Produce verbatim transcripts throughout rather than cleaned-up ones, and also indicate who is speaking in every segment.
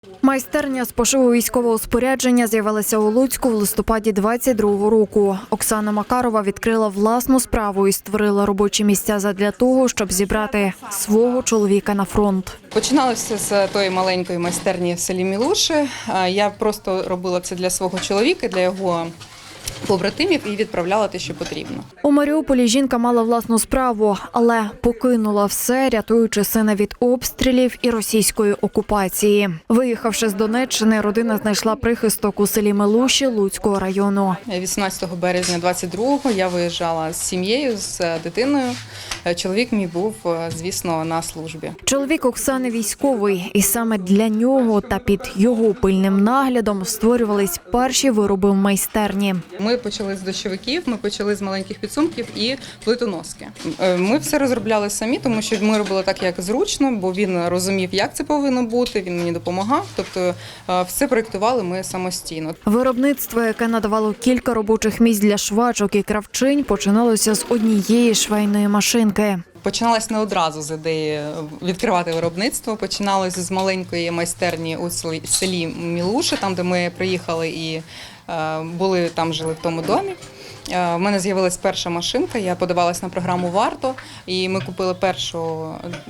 Speaker 1: Майстерня з пошиву військового спорядження з'явилася у Луцьку в листопаді двадцять другого року. Оксана Макарова відкрила власну справу і створила робочі місця задля того, щоб зібрати свого чоловіка на фронт.
Speaker 2: Починалося з тої маленької майстерні в селі Мілуші. Я просто робила це для свого чоловіка, для його побратимів і відправляла те, що потрібно.
Speaker 1: У Маріуполі жінка мала власну справу, але покинула все, рятуючи сина від обстрілів і російської окупації. Виїхавши з Донеччини, родина знайшла прихисток у селі Милуші Луцького району.
Speaker 2: вісімнадцятого березня двадцять другого я виїжджала з сім'єю, з дитиною. Чоловік мій був, звісно, на службі.
Speaker 1: Чоловік Оксани військовий, і саме для нього та під його пильним наглядом створювались перші вироби в майстерні.
Speaker 2: Ми почали з дощовиків, ми почали з маленьких підсумків і плитоноски. Ми все розробляли самі, тому що ми робили так, як зручно, бо він розумів, як це повинно бути, він мені допомагав. Тобто все проєктували ми самостійно.
Speaker 1: Виробництво, яке надавало кілька робочих місць для швачок і кравчинь, починалося з однієї швейної машинки.
Speaker 2: Починалось не одразу з ідеї відкривати виробництво. Починалось з маленької майстерні у селі Мілуші, там, де ми приїхали і були там, жили в тому домі. У мене з'явилась перша машинка, я подавалась на програму «Варто», і ми купили першу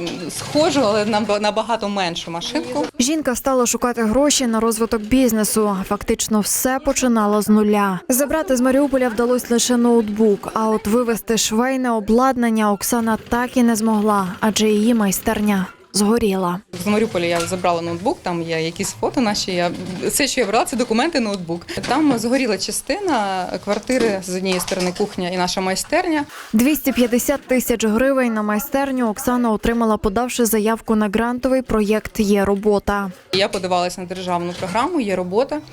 Speaker 2: схожу, але набагато меншу машинку.
Speaker 1: Жінка стала шукати гроші на розвиток бізнесу. Фактично все починала з нуля. Забрати з Маріуполя вдалося лише ноутбук, а от вивезти швейне обладнання Оксана так і не змогла, адже її майстерня згоріла.
Speaker 2: З Маріуполя я забрала ноутбук, там є якісь фото наші. Я все, що я брала, це документи, ноутбук. Там згоріла частина квартири, з однієї сторони кухня і наша майстерня.
Speaker 1: двісті п'ятдесят тисяч гривень на майстерню Оксана отримала, подавши заявку на грантовий проєкт «Є робота».
Speaker 2: Я подавалася на державну програму «Є робота».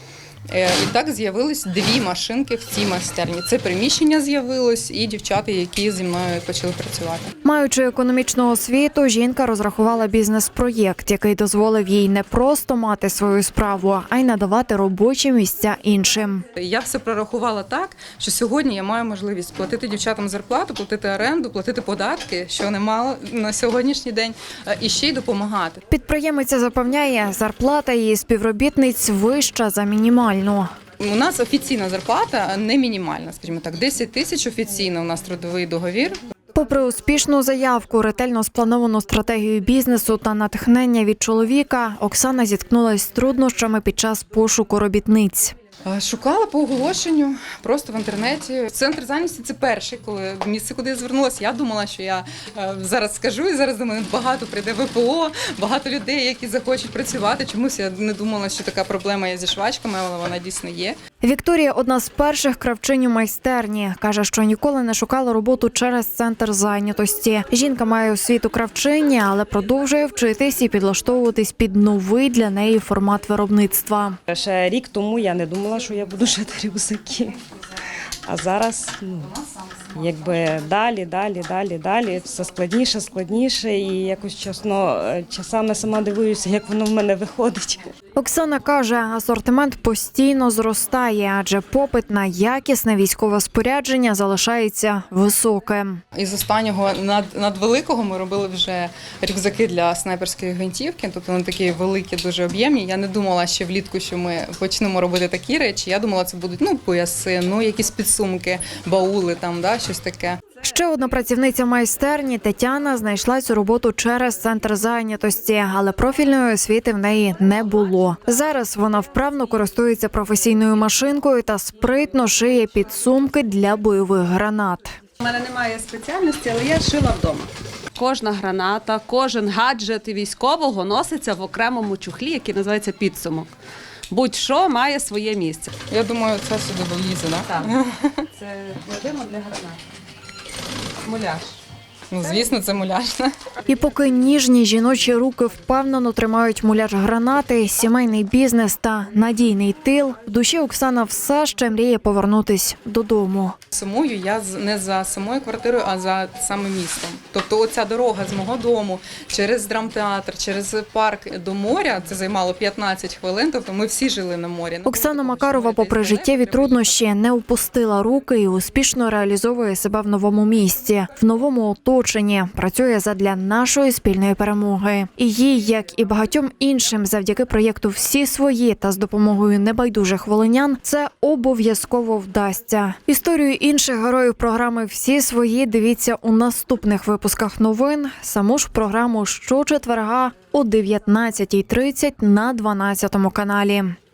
Speaker 2: І так з'явились дві машинки в цій майстерні. Це приміщення з'явилось і дівчата, які зі мною почали працювати.
Speaker 1: Маючи економічну освіту, жінка розрахувала бізнес-проєкт, який дозволив їй не просто мати свою справу, а й надавати робочі місця іншим.
Speaker 2: Я все прорахувала так, що сьогодні я маю можливість платити дівчатам зарплату, платити оренду, платити податки, що немало на сьогоднішній день, і ще й допомагати.
Speaker 1: Підприємиця запевняє, зарплата її співробітниць вища за мінімальну.
Speaker 2: У нас офіційна зарплата не мінімальна, скажімо так, десять тисяч офіційно у нас трудовий договір.
Speaker 1: Попри успішну заявку, ретельно сплановану стратегію бізнесу та натхнення від чоловіка, Оксана зіткнулася з труднощами під час пошуку робітниць.
Speaker 2: Шукала по оголошенню, просто в інтернеті. Центр зайнятості – це перший, коли місце, куди я звернулася. Я думала, що я зараз скажу, і зараз до мене багато прийде ВПО, багато людей, які захочуть працювати. Чомусь я не думала, що така проблема є зі швачками, але вона дійсно є.
Speaker 1: Вікторія – одна з перших кравчинь у майстерні. Каже, що ніколи не шукала роботу через центр зайнятості. Жінка має освіту кравчині, але продовжує вчитись і підлаштовуватись під новий для неї формат виробництва.
Speaker 3: Ще рік тому я не думала, що я буду шити рюкзаки. А зараз, ну, якби далі, далі, далі, далі, все складніше, складніше. І якось, чесно, часами сама дивуюся, як воно в мене виходить.
Speaker 1: Оксана каже, асортимент постійно зростає, адже попит на якісне військове спорядження залишається високим.
Speaker 2: Із останнього над, надвеликого ми робили вже рюкзаки для снайперської гвинтівки, тобто вони такі великі, дуже об'ємні. Я не думала ще влітку, що ми почнемо робити такі речі. Я думала, це будуть ну, пояси, ну, якісь підсумки, баули, там, да, щось таке.
Speaker 1: Ще одна працівниця майстерні Тетяна знайшла цю роботу через центр зайнятості, але профільної освіти в неї не було. Зараз вона вправно користується професійною машинкою та спритно шиє підсумки для бойових гранат.
Speaker 4: У мене немає спеціальності, але я шила вдома. Кожна граната, кожен гаджет військового носиться в окремому чохлі, який називається підсумок. Будь-що має своє місце.
Speaker 2: Я думаю, це сюди влізе, да?
Speaker 4: Так? Це кладемо для гранат. Муляж.
Speaker 2: Ну, звісно, це муляж.
Speaker 1: І поки ніжні жіночі руки впевнено тримають муляж гранати, сімейний бізнес та надійний тил, в душі Оксана все ще мріє повернутись додому.
Speaker 2: Сумую я не за самою квартирою, а за саме містом. Тобто оця дорога з мого дому через драмтеатр, через парк до моря, це займало п'ятнадцять хвилин, тобто ми всі жили на морі.
Speaker 1: Оксана Макарова, попри життєві труднощі, не опустила руки і успішно реалізовує себе в новому місці, в новому оточенні. Лучині, працює задля нашої спільної перемоги. І їй, як і багатьом іншим, завдяки проєкту «Всі свої» та з допомогою небайдужих волинян, це обов'язково вдасться. Історію інших героїв програми «Всі свої» дивіться у наступних випусках новин. Саму ж програму щочетверга о дев'ятнадцятій тридцять на дванадцятому каналі.